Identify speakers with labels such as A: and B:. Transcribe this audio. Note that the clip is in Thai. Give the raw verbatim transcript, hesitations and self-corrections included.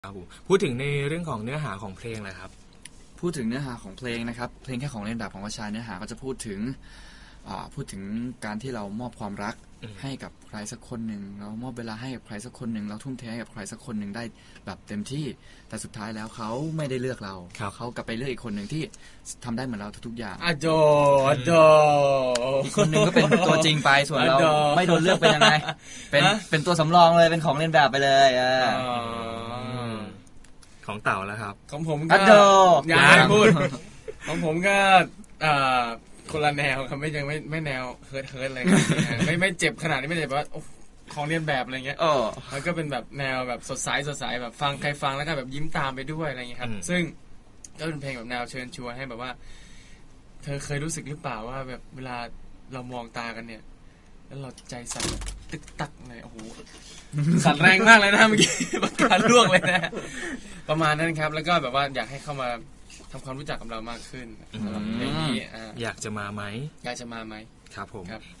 A: ครับผมพูดถึงในเรื่องของเนื้อหาของเพลงเลยครับ
B: พูดถึงเนื้อหาของเพลงนะครับเพลงแค่ของเล่นแบบของวชาเนื้อหาก็จะพูดถึงพูดถึงการที่เรามอบความรักให้กับใครสักคนหนึ่งเรามอบเวลาให้กับใครสักคนหนึ่งเราทุ่มเทให้กับใครสักคนหนึ่งได้แบบเต็มที่แต่สุดท้ายแล้วเขาไม่ได้เลือกเราเขากลับไปเลือกอีกคนหนึ่งที่ทำได้เหมือนเราทุกๆอย่าง
C: อะโดอะโด
B: อีกคนหนึ่งก็เป็นตัวจริงไปส่วนเราไม่โดนเลือกเป็นยังไงเป็นเป็นตัวสำรองเลยเป็นของเล่นแบบไปเลย
A: ของเต่าแล้วครับ
C: ของผมก็อยากพูดของผมก็คนละแนวครับไม่ยังไม่ไม่แนวเฮิร์ทเฮิร์ทอะไรไม่ไม่เจ็บขนาดนี้ไม่เจ็บว่าของเรียนแบบอะไรเงี้ยมันก็เป็นแบบแนวแบบสดใสสดใสแบบฟังใครฟังแล้วก็แบบยิ้มตามไปด้วยอะไรเงี้ยครับซึ่งก็เป็นเพลงแบบแนวเชิญชวนให้แบบว่าเธอเคยรู้สึกหรือเปล่าว่าแบบเวลาเรามองตากันเนี่ยแล้วเราใจสั่นตึกตักเลยโอ้โหสั่นแรงมากเลยนะเมื่อกี้ปากกาล่วงเลยนะประมาณนั้นครับแล้วก็แบบว่าอยากให้เข้ามาทำความรู้จักกับเรามากขึ้นสำหรับเพลงนี้
A: อยากจะมาไหม
C: อยากจะมาไหม
A: ครับผม